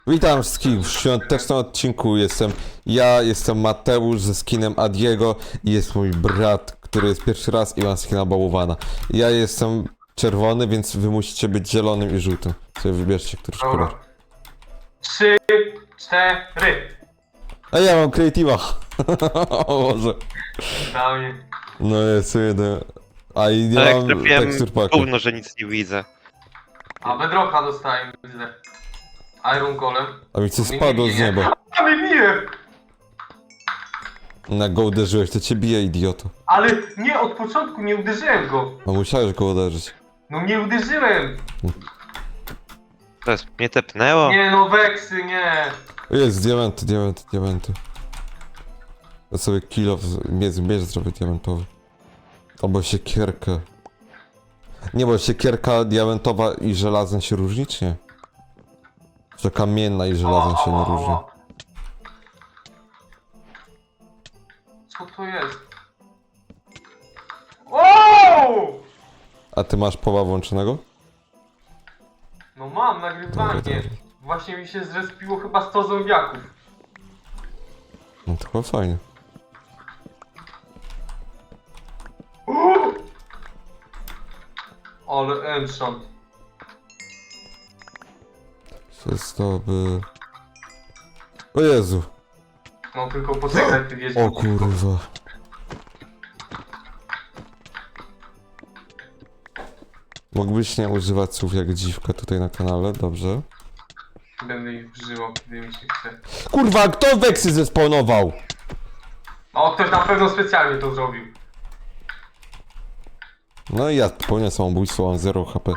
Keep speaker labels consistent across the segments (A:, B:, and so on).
A: Witam wszystkich w świątecznym odcinku. Jestem Mateusz ze skinem Adiego i jest mój brat, który jest pierwszy raz i ma skina Bałwana. Ja jestem czerwony, więc wy musicie być zielonym i żółtym. Sobie wybierzcie któryś kolor.
B: Dobra. 3, 4.
A: A ja mam Creative'a. O Boże.
B: Na mnie.
A: No jest jeden. A i nie
C: Ale jak
A: mam
C: trafiłem
A: tekstur paku.
C: gówno, że nic nie widzę.
B: A bedrocha dostałem, widzę. Iron Golem.
A: A mi coś spadło z nieba.
B: A mnie bije!
A: Na go uderzyłeś, to cię bije, idioto.
B: Ale nie, od początku nie uderzyłem go.
A: A musiałeś go uderzyć.
B: No nie uderzyłem.
C: To jest, mnie tepnęło?
B: Nie no, weksy, nie.
A: Jest, diamenty. Ja sobie kilo mierz zrobię diamentowy. Albo siekierkę. Nie, bo siekierka diamentowa i żelazna się różni, czy nie? Że kamienna i żelazna się nie różni.
B: Co to jest? O!
A: A ty masz poła włączonego?
B: No mam nagrywanie.
A: Dobra.
B: Właśnie mi się zrespiło chyba 100 zombiaków.
A: No to chyba fajnie.
B: Ale enchant.
A: Się zdoby... O Jezu!
B: No tylko poczekaj, ty wiesz.
A: O kurwa. Mógłbyś nie używać słów jak dziwka tutaj na kanale, dobrze?
B: Będę ich używał, kiedy mi się chce.
A: Kurwa, kto weksy zespawnował?
B: O, ktoś na pewno specjalnie to zrobił.
A: No i ja popełnię samobójstwo, mam 0 HP.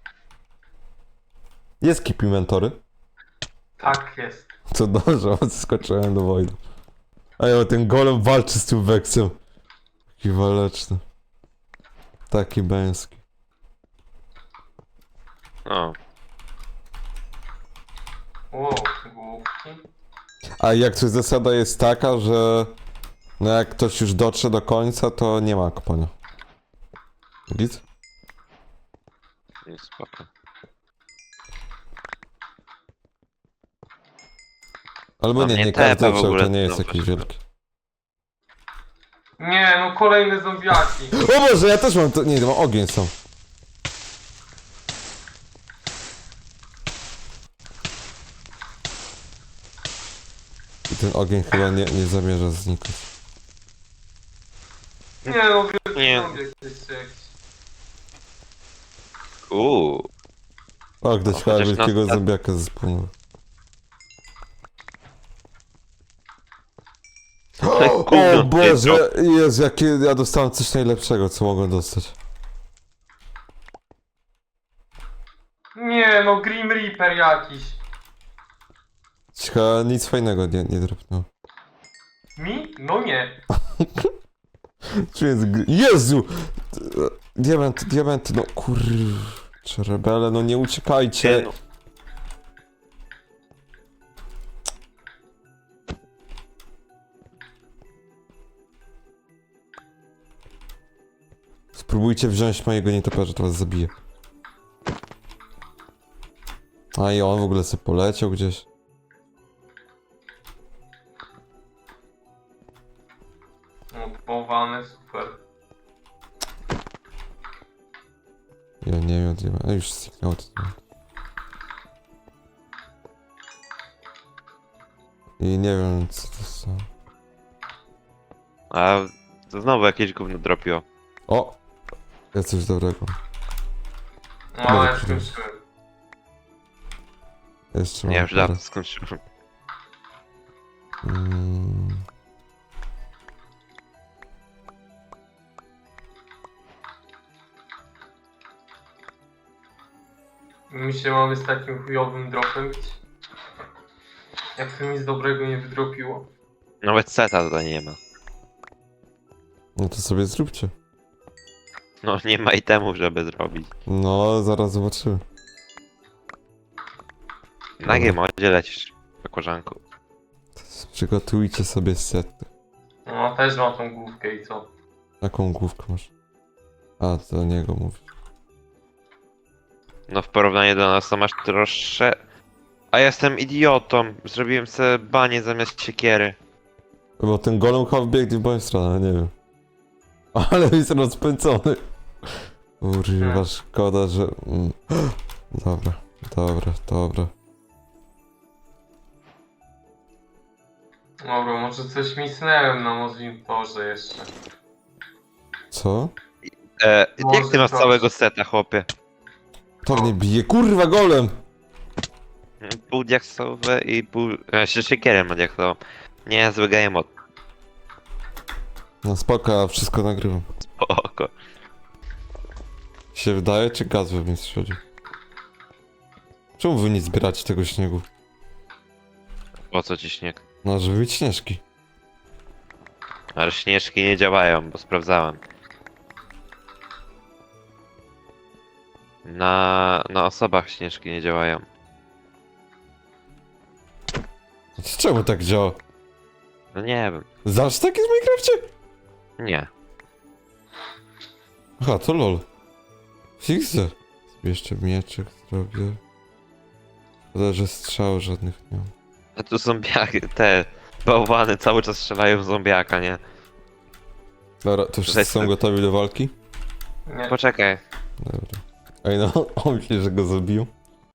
A: Jest keep inventory?
B: Tak jest.
A: Co dobrze, odskoczyłem do wojny. A ja ten golem walczy z tym weksem. Taki waleczny. Taki męski.
C: O,
B: O, główki.
A: A jak coś zasada jest taka, że... No jak ktoś już dotrze do końca, to nie ma kopania. Git?
C: nie spoko.
A: Albo
C: No
A: nie,
C: mnie
A: nie każdy
C: tepa w
A: dotrze,
C: ogóle
A: to nie jest
C: znowu
A: jakiś
C: się.
A: wielki.
B: Nie, no kolejne zombiaki.
A: O Boże, ja też mam to... Nie, to mam ogień są. I ten ogień chyba nie zamierza znikać.
B: Nie no, wiesz,
C: Nie.
B: zombiak jest jakiś.
A: O, ktoś
C: O,
A: chyba
C: chociaż
A: wielkiego
C: na-
A: zombiaka zespłynął.
C: To jest
A: O
C: gówno,
A: Boże, Jezu, jakie ja dostałem coś najlepszego, co mogłem dostać.
B: Nie no, Grim Reaper jakiś.
A: Chyba nic fajnego nie drapnął.
B: Mi? No nie.
A: Czy jest Jezu! Diament, no kurczę, rebele, no nie uciekajcie.
C: no.
A: Spróbujcie wziąć mojego nietoperza, to was zabije. A i on w ogóle sobie poleciał gdzieś.
B: No, bałwany, super.
A: Ja nie wiem, a już zniknęło to. I nie wiem, co to są.
C: A to znowu jakieś gówno dropiło.
A: O! Jest coś dobrego.
B: No,
A: Dobra,
B: ja skończyłem.
A: Jeszcze
C: Nie,
A: mam
C: już
A: parę.
C: dawno skończyłem.
A: Mm.
B: My się mamy z takim chujowym dropem bić. Jak to nic dobrego nie wydropiło.
C: Nawet seta tutaj nie ma.
A: No to sobie zróbcie.
C: No nie ma itemów, żeby zrobić.
A: No, zaraz zobaczymy.
C: Na G-modzie lecisz, koleżanku.
A: Przygotujcie sobie sety.
B: No, też mam tą główkę i co?
A: Jaką główkę masz? A, to do niego mówię.
C: No w porównaniu do nas to masz trosze... A ja jestem idiotą. Zrobiłem sobie banie zamiast siekiery.
A: Bo ten golem chyba biegnie w moją stronę, nie wiem. Ale jest rozpędzony. Kurwa, szkoda, że... Dobra, dobra, dobra.
B: Dobra, może coś misnęłem na monitorze jeszcze.
A: Co?
C: Jak ty masz
B: Może
C: całego seta, chłopie?
A: To mnie bije, kurwa, golem!
C: Pół diaksowe i pół... Jeszcze siekierę ma diaksową. Nie, zły game
A: No spoko, ja wszystko nagrywam.
C: Spoko.
A: Się wydaje, czy gaz we mnie strzeli? Czemu wy nie zbieracie tego śniegu?
C: Po co ci śnieg?
A: No, żeby mieć śnieżki.
C: Ale śnieżki nie działają, bo sprawdzałem. Na osobach śnieżki nie działają.
A: Czemu tak działa?
C: No nie wiem.
A: Zawsze tak jest w Minecrafcie?
C: Nie.
A: Aha, to lol. Fixę. Jeszcze mieczek zrobię. Szkoda, że strzał żadnych nie mam.
C: A tu zombiaki, te bałwany cały czas strzelają w zombiaka, nie?
A: Dobra, to wszyscy są gotowi do walki?
B: Nie.
C: Poczekaj.
A: Dobra. Ej no, on myśli, że go zabił.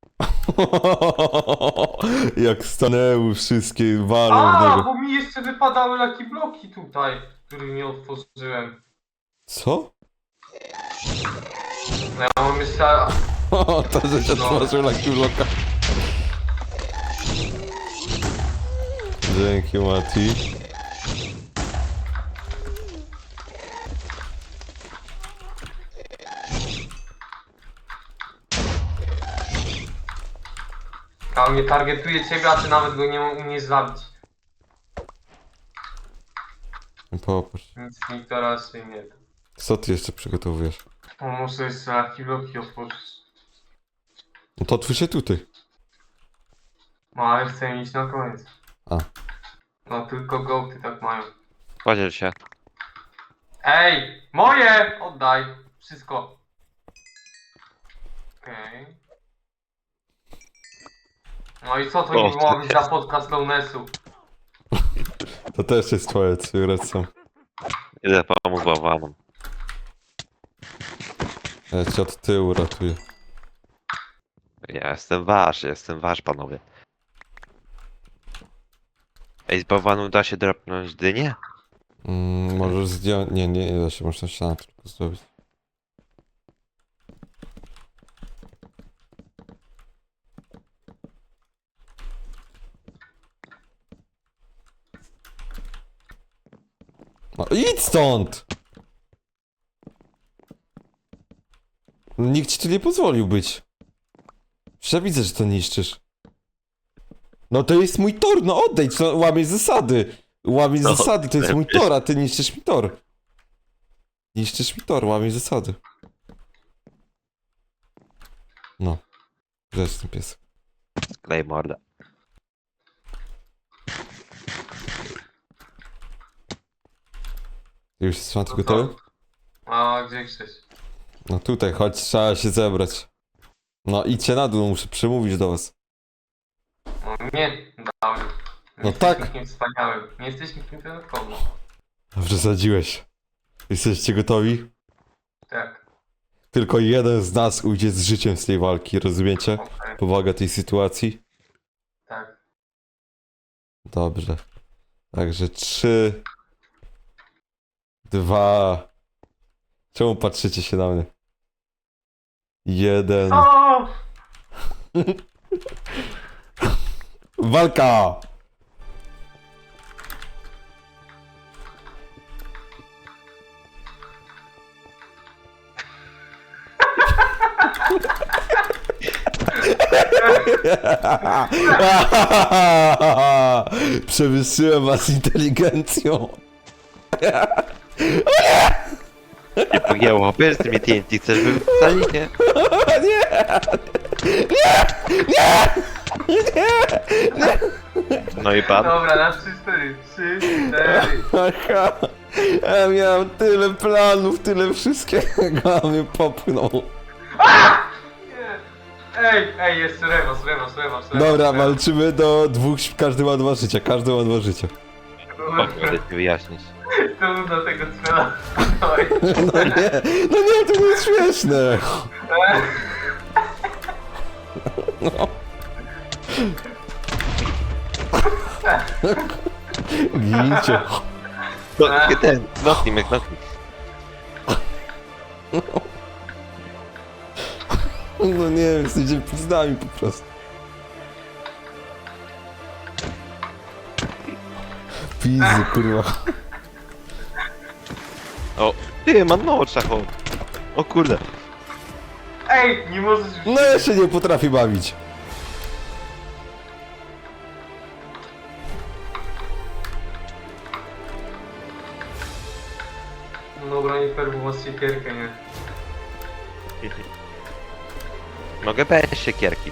A: Jak stanęły wszystkie walą w
B: A,
A: niego.
B: bo mi jeszcze wypadały lucky bloki tutaj, których nie otworzyłem.
A: Co?
B: No ja mam jeszcze...
A: O, to, że się
B: No.
A: otworzył Lucky Blocka. Dzięki, Mati.
B: A on nie targetuje ciebie, a ty nawet go nie umiesz zabić.
A: Popatrz.
B: Nic mi to raczej nie da.
A: Co ty jeszcze przygotowujesz?
B: O, muszę jeszcze lucky bloki otworzyć.
A: No to otwórz się tutaj.
B: No ale chcę iść na koniec.
A: A.
B: No tylko gołty tak mają.
C: Podziel się.
B: Ej! Moje! Oddaj! Wszystko. Okej. No i co to
C: O,
B: nie było być za podcast Lownessu?
A: To też jest twoje, co racją.
C: Idę pomóc bałwanom.
A: Ja cię od tyłu ratuję.
C: Ja jestem wasz, panowie. Ej, z bałwanu da się dropnąć dynię?
A: Możesz zdjąć... Nie da się, można ścianę tylko zrobić. No idź stąd! Nikt ci tu nie pozwolił być. Przecież ja widzę, że to niszczysz. No to jest mój tor, no odejdź, no łamiesz zasady. Łamiesz
C: No,
A: zasady, to jest mój
C: lepiej.
A: tor, a ty niszczysz mi tor. Niszczysz mi tor, łamiesz zasady. No. Grzecz ten pies.
C: Sklej mordę.
A: Już jest szanty
B: No
A: gotowy?
B: A gdzie Krzyś?
A: No tutaj, chodź, trzeba się zebrać. No idźcie na dół, muszę przemówić do was.
B: No nie, dałem. Nie
A: No
B: jesteś
A: tak.
B: nikim wspaniałym. Nie jesteś nikim wyjątkowym.
A: Dobrze zadziłeś. Jesteście gotowi?
B: Tak,
A: Tylko jeden z nas ujdzie z życiem z tej walki, rozumiecie?
B: okej,
A: Powaga tej sytuacji?
B: tak.
A: Dobrze. Także 3, 2. Czemu patrzycie się na mnie? 1.
B: O!
A: Walka! Przewyższyłem was inteligencją.
C: Nie pogięło, wiesz, z tymi TNT chcesz wypalić, nie? No i pan.
B: Dobra, na 3-4. 3-4.
A: Aha, ja miałem tyle planów, tyle wszystkiego, a mnie popchnął.
B: Nie. Ej, jeszcze rewas.
A: Dobra, walczymy do dwóch, każdy ma 2 życia, każdy ma 2 życia.
C: Mogę ci wyjaśnić.
B: To do tego cela. Oj.
A: No nie, to nie jest śmieszne. Gincie.
C: No, ten, nocnik, nocnik.
A: No nie wiem, jesteście pizdami po prostu. Pizzy, kurwa.
C: O, ty, mam mało czachą. O kurde.
B: Ej, nie możesz już...
A: No ja się nie potrafię bawić.
B: No dobra, nie fair, bo masz siekierkę, nie?
C: Mogę bez siekierki.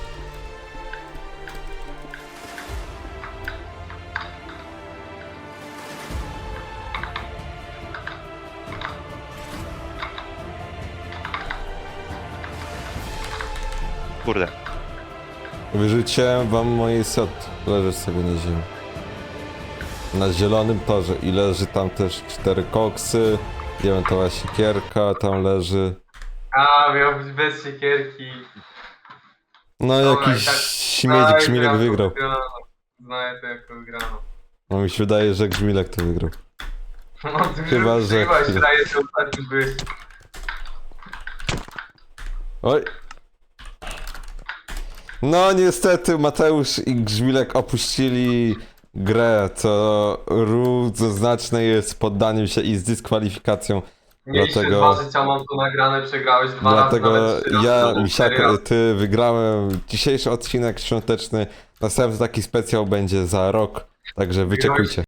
C: Kurde.
A: Wyrzuciłem wam moje set. Leżysz sobie na ziemi. Na zielonym torze i leży tam też 4 koksy. Diamentowa siekierka tam leży.
B: A, miał być bez siekierki.
A: No
B: Dobra,
A: jakiś
B: tak.
A: śmieć Grzmilek wygrał.
B: Znaję to jako wygraną.
A: No mi się wydaje, że Grzmilek to wygrał.
B: No, ty
A: Chyba, że
B: chyba się
A: chwilę.
B: daje, że ostatni byłeś.
A: Oj. No niestety Mateusz i Grzmilek opuścili grę, co równoznaczne jest poddaniem się i z dyskwalifikacją.
B: Mieliście
A: Dlatego-
B: 2 życia, mam to nagrane, przegrałeś 2 razy,
A: Dlatego
B: nawet 3 razy.
A: ja,
B: No,
A: Misiak,
B: serio.
A: ty wygrałem dzisiejszy odcinek świąteczny. Następny taki specjal będzie za rok, także wyczekujcie.